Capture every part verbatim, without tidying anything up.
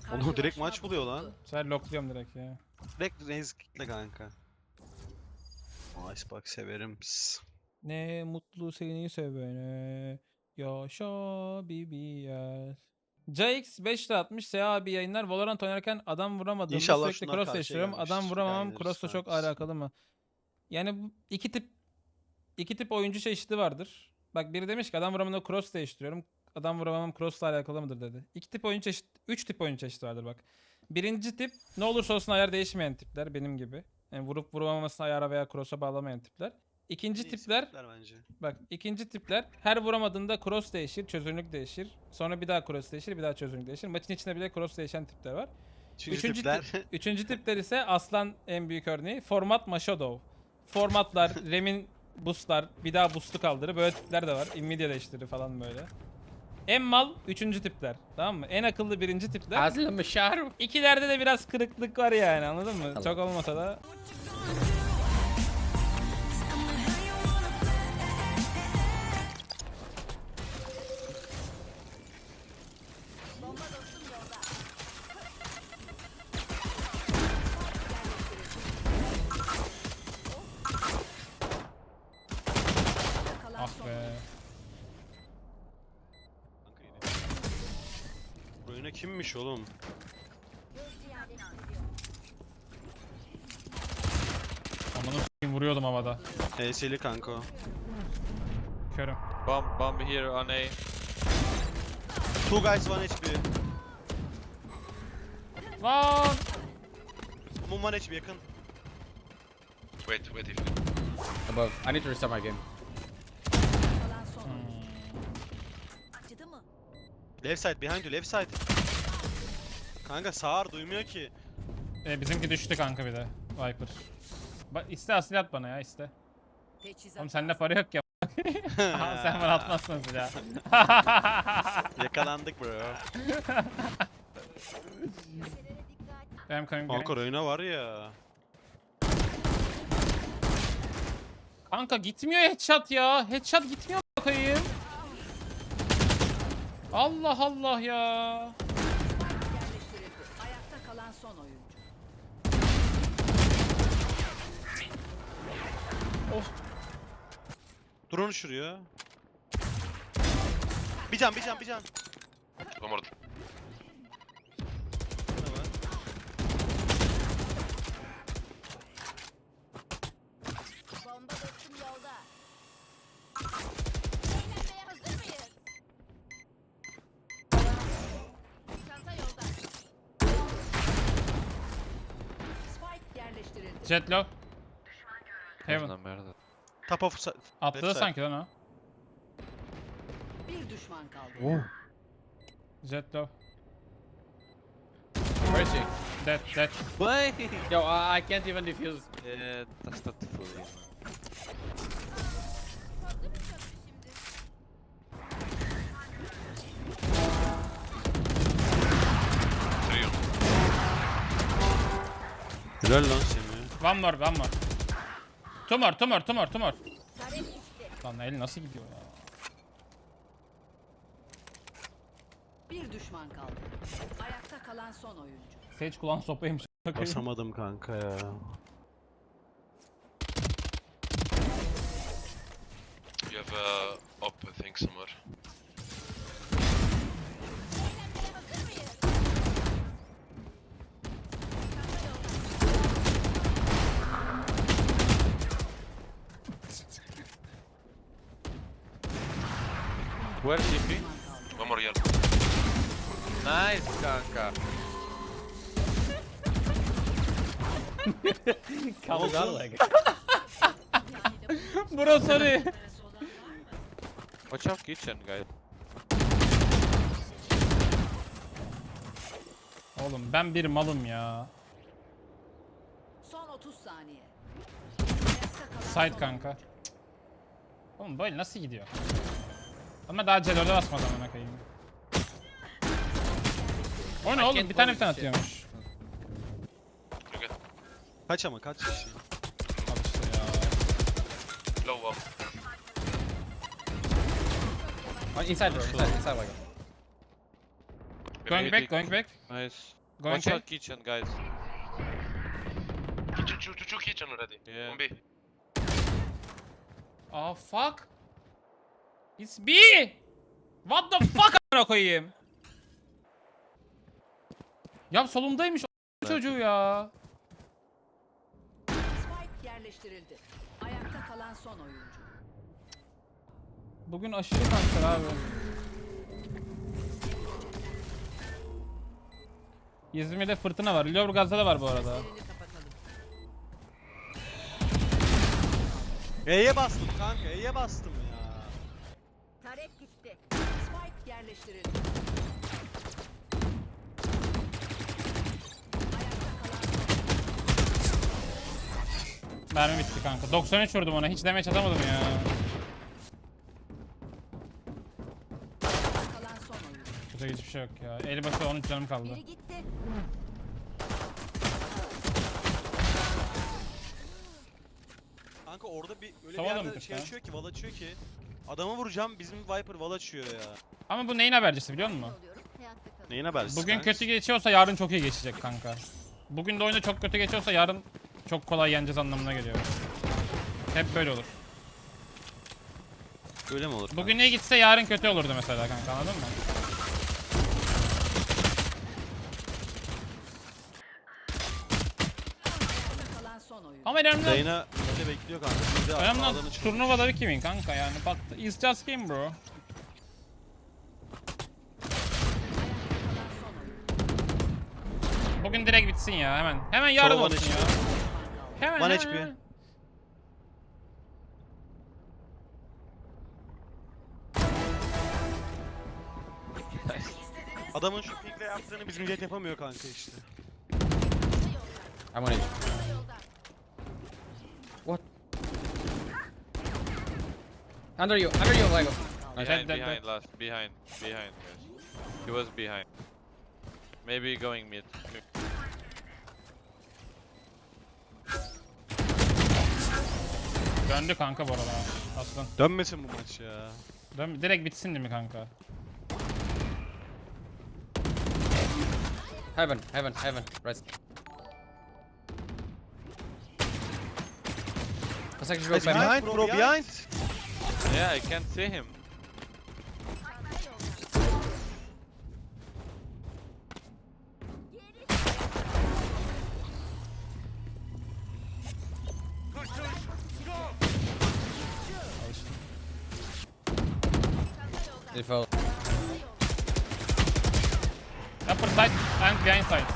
Onu direkt maç buluyor lan. Sen lockluyorum direkt ya. Direkt Reis kitle kanka. Icebox severim. Pss. Ne mutlu seni sevene. Yaşa B B S. C X beş atmış. S A abi yayınlar. Valorant oynarken adam vuramadığımda İnşallah sürekli şunlar cross karşıya değiştiriyorum. Adam gelmiştir. vuramamam Yayınlarız cross'la çok kankası. alakalı mı? Yani bu iki tip iki tip oyuncu çeşidi vardır. Bak biri demiş ki adam vuramamda cross değiştiriyorum. Adam vuramamam cross'la alakalı mıdır dedi. İki tip oyuncu çeşit, üç tip oyuncu çeşidi vardır bak. Birinci tip ne olursa olsun ayar değişmeyen tipler benim gibi. Yani vurup vuramamasına ayara veya cross'a bağlamayan tipler. İkinci En iyisi tipler tipler bence. bak ikinci tipler her vuramadığında cross değişir, çözünürlük değişir. Sonra bir daha cross değişir, bir daha çözünürlük değişir. Maçın içinde bile cross değişen tipler var. Üçüncü, Üçüncü, tipler. ti- üçüncü tipler ise aslan en büyük örneği. Format Maşadov. Formatlar, Rem'in boostlar, bir daha boost'u kaldırır. Böyle tipler de var. Immediate değiştirir falan böyle. En mal üçüncü tipler. Tamam mı? En akıllı birinci tipler. Aslı Mışar. İkilerde de biraz kırıklık var yani anladın mı? Tamam. Çok olmasa da. Ah be. Bu oyuna kimmiş oğlum? Amanı s**eyim vuruyordum havada. H S'li kanka o. Körüm. Bomb, bomb here on A. Two guys one H P. Lan! Mum one H P yakın. Wait, wait if Above. I need to restart my game. Acıdı mı? Left side behind you left side. Kanka sağır duymuyor ki. E, bizimki düştü kanka bir de. Viper. Ba iste asil at bana ya iste. Teçhizat. Oğlum sende para yok ya. Aha, sen bana atmazsın silah. Yakalandık bro. Benim coming Kanka behind. oyuna var ya. Kanka gitmiyor headshot ya. Headshot gitmiyor bakayım. Allah Allah ya. Yerleştirildi. Ayakta kalan son oyuncu. Drone uçuruyor. Bir can bir can bir can. one more. Ne var? Bomba dostum yolda. Eğlenmeye hazır mıyız? Çanta yolda. Spike yerleştirildi. Jet low. Heaven. Una merda. Top of side. Atladı Left side. sanki lan o. Bir düşman kaldı. Jet low. Where is he? Dead dead. Why? Yo, I, I can't even defuse. Yeah, that's not full. Three on. Helal lan seni. One more one more. Two more two more two more two more. Lan el nasıl gidiyor ya? Bir düşman kaldı. Ayakta kalan son oyuncu. Sage kulağın sopaymış. Basamadım kanka ya. You have a op, I think, somewhere. Where is T P? One more yellow. Nice, kanka. Comes out like Bro sorry. Watch out kitchen, guys. Oğlum ben bir malım ya. Son otuz saniye. Ayakta kalan Side son kanka. oyuncu. Oğlum böyle nasıl gidiyor? Ama daha C dörde basmadan ona koyayım. O ne oğlum? can't Bir tane bir believe tane shit. atıyormuş. You get Kaç ama kaç kişi? Al işte ya. low up. Oh, inside, bro. Inside, inside, like. Going back, going back. Nice. Going Watch back. out kitchen, guys. Kitchen, two, two, two kitchen already. Yeah. On B. Oh fuck. It's B. What the fuck amına koyayım. Ya solundaymış o çocuğu ya. Spike yerleştirildi. Ayakta kalan son oyuncu. Bugün aşırı kanser abi. İzmir'de fırtına var. Lüleburgaz'da da var bu arada. Elini kapatalım. E'ye bastım kanka, E'ye bastım ya. Tarek gitti. Spike yerleştirildi. Ayakta kalan son Mermi bitti kanka. doksan üç vurdum ona. Hiç damage atamadım ya. kalan son oyuncu. Kötü hiçbir şey yok ya. Eli başı on üç canım kaldı. Biri gitti. Kanka orada bir öyle Savada bir mı yerde kırk şey ya? açıyor ki, wall açıyor ki. Adamı vuracağım, bizim Viper wall açıyor ya. Ama bu neyin habercisi biliyor musun? Neyin habersiz Bugün kanka? kötü geçiyorsa yarın çok iyi geçecek kanka. Bugün de oyunda çok kötü geçiyorsa yarın çok kolay yeneceğiz anlamına geliyor. Hep böyle olur. Öyle mi olur? Bugün iyi gitse yarın kötü olurdu mesela kanka, anladın mı? Ayakta kalan son oyuncu. Ama önemli, Zeyna öyle bekliyor kanka. Bir de önemli ağlanı olan çıkıyor. turnuvaları kimin kanka yani bak, it's just game bro. Ayakta kalan son oyuncu. Bugün direkt bitsin ya hemen. Hemen yarın Sol olsun bana ya. çıkıyor. Hemen One hemen, H P. hemen. Adamın şu pinkle yaptığını bizim jet yapamıyor kanka işte. I'm on it. What? Under you, under you, Lego. Behind, Dead, dead, behind, dead. last. Behind, behind, guys. He was behind. Maybe going mid. Döndü kanka bu arada aslan. Dönmesin bu maç ya. Dön, direkt bitsin değil mi kanka? Heaven, heaven, heaven. Right. Let's actually go Guys, back. behind bro, behind. Yeah, I can't see him. He fell. Upper side and behind side.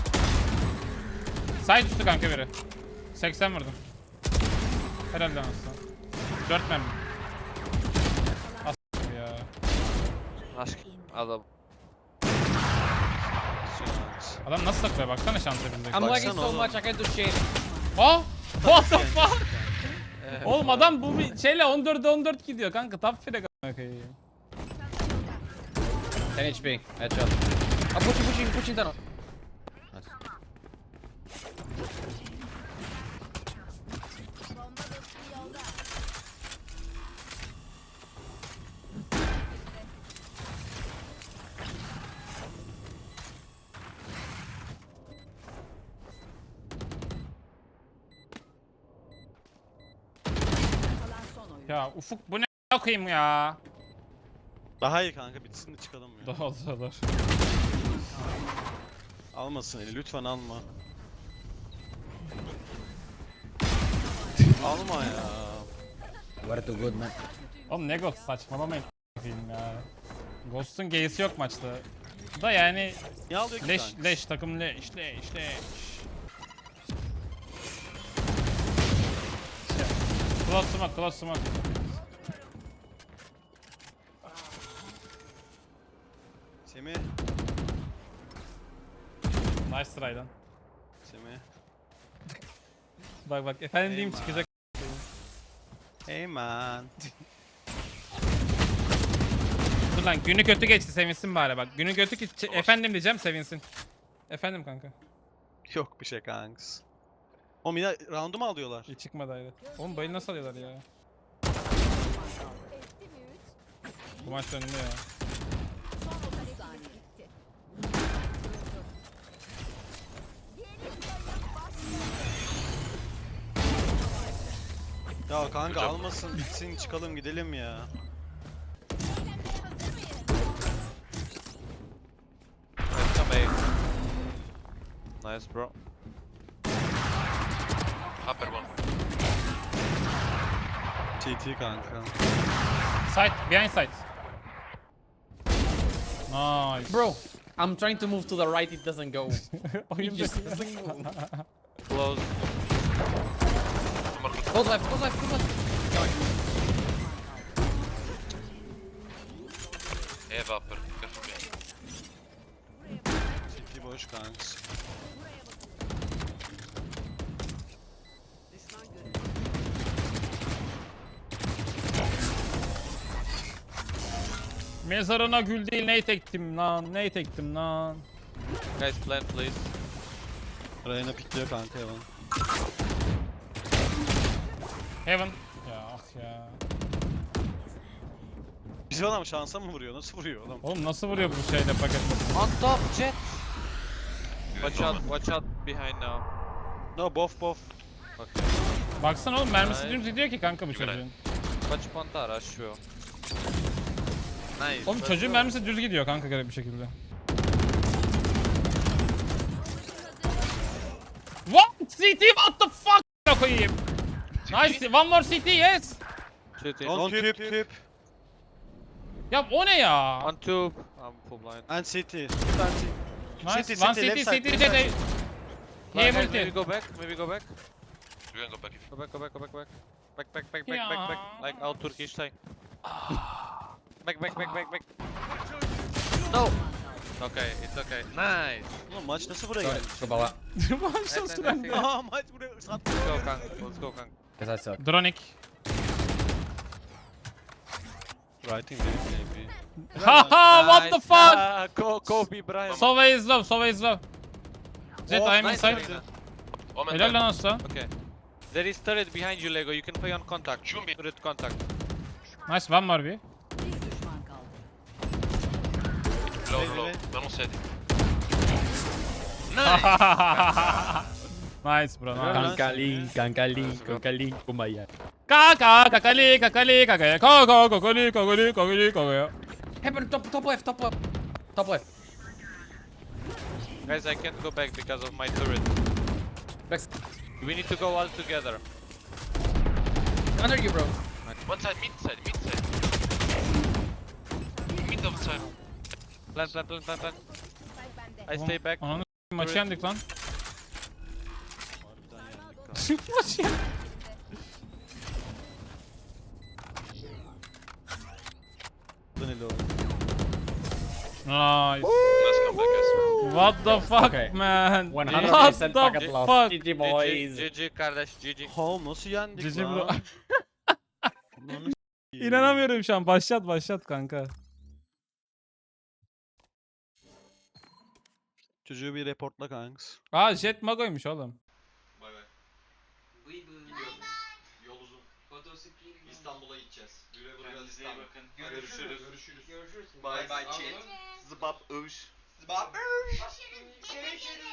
Side üstü kanka biri. seksen vurdum. Herhalde anasını. dört mermi. As ya. Ask Adam. Adam nasıl takılıyor baksana şansa bizdeki. I'm lagging Baksana so oğlum. much, I can't do shit. Oh! What the fuck? Oğlum adam bu bir şeyle on dörde on dört gidiyor kanka. Top frag a**ına koyayım. ten H P, headshot. I'm pushing, pushing, pushing down. Nice. Kalan son oyuncu. Ya Ufuk bu ne koyayım ya? Daha iyi kanka, bitsin de çıkalım ya. Daha olur. Almasın eli, lütfen alma. Alma ya. We're too good, man. Oğlum ne Ghost, saçmalamayın a**ayım ya. Ghost'un G'si yok maçta. Da yani Niye alıyor ki leş kanka? leş takım leş leş leş. Close smoke, close smoke. Semih, Nice try lan. Semih. Bak bak efendim diyeyim Eyvah. çıkacak. Hey man. Dur lan günü kötü geçti sevinsin bari bak. Günü kötü geçti. Efendim diyeceğim sevinsin. Efendim kanka. Yok bir şey kanks. Oğlum yine round'u mu alıyorlar? İyi çıkmadı ayrı. Oğlum bayı nasıl alıyorlar ya? Bu maç döndü ya. Son otuz saniye. Ya kanka Good job. almasın bitsin çıkalım gidelim ya. Nice, come A. Nice, bro. Upper one. T T kanka. Side, behind side. Nice. Bro, I'm trying to move to the right, it doesn't go. It Oyun just bekliyor. doesn't go. Close. Close left, close left, close left. Have upper. Careful behind. T T boş kanka. Düşman görüldü. Mezarına gül değil ney tektim lan, ney tektim lan. Guys, plant, please. Reyna pikliyor kanka Evan. Heaven. Ya ah ya. Bizim adam şansa mı vuruyor? Nasıl vuruyor oğlum? Oğlum nasıl vuruyor bu şeyde paket? On top, jet. Watch out, watch out behind now. No bof bof. Okay. Baksana oğlum mermisi Hayır. dümdüz gidiyor ki kanka bu Güzel. çocuğun. Watch Pantara, sure. Nice. Oğlum let's çocuğun go. mermisi düz gidiyor kanka garip bir şekilde. What? C T what the fuck? A**ına koyayım. Nice. One more C T yes. City. On tüp tüp. Ya o ne ya? On tube. I'm full blind. And C T. Tüp and C T. Nice. City, One city, C T, left C side, T, left C T. side. Hey, Guys, maybe multi. go back, maybe go back. You can go back if Go back, go back, go back, go back. Back, back, back, back, back, back. Like out Turkish style. Back, back, back, back, back. No! Okay, it's okay. Nice! Oğlum maç nasıl buraya Sorry, geldi? go bala. Başla Nice, nice, süren. nice. Aa maç buraya sattı. Let's go, Kang. Let's go, Kang. Because I suck. Dronik. Writing benim maybe. Haha what the fuck? Ah, Ko Kobe Bryant. Sova is low, Sova is low. Jet Oh, I'm nice, inside. Reyna. Omen Helal ten. lan aslan. Okay. There is turret behind you, Lego. You can play on contact. Shoot me. Turret contact. Nice one var bir. Bir düşman kaldı. Low, Wait, low. wait. Ben on side. Nice bro. Nice. Kankalin, kankalin, kankalin, kumaya. Kaka kakali kakali kakaya. Kaka kakali kakali kakali kakaya. Heaven, top, top left, top left. Top left. Guys, I can't go back because of my turret. Back. We need to go all together. Under you, bro. One side, mid side, mid side. Mid of side. Plant, plant, plant, plant, plant. I stay back. Ananı s**eyim, maçı yendik lan. Harbiden yendik kanka. Maçı yendik. Danilo. Nice. Let's come back, guys. What the fuck Okay. man? one What hundred the percent packet loss. fuck? G G G boys. G, G G kardeş, G G. Home nasıl yendik Cici bro. lan? Ananı s**eyim. İnanamıyorum şu an. Başlat başlat kanka. Çocuğu bir reportla kanks. Aa Jet Mago'ymuş oğlum. Bay bay. Yol uzun. İstanbul'a gideceğiz. Güle güle İstanbul. Bakın. Görüşürüz. Görüşürüz. Görüşürüz. Bay bay chat. Zıbap övüş. Zıbap övüş. Görüşürüz.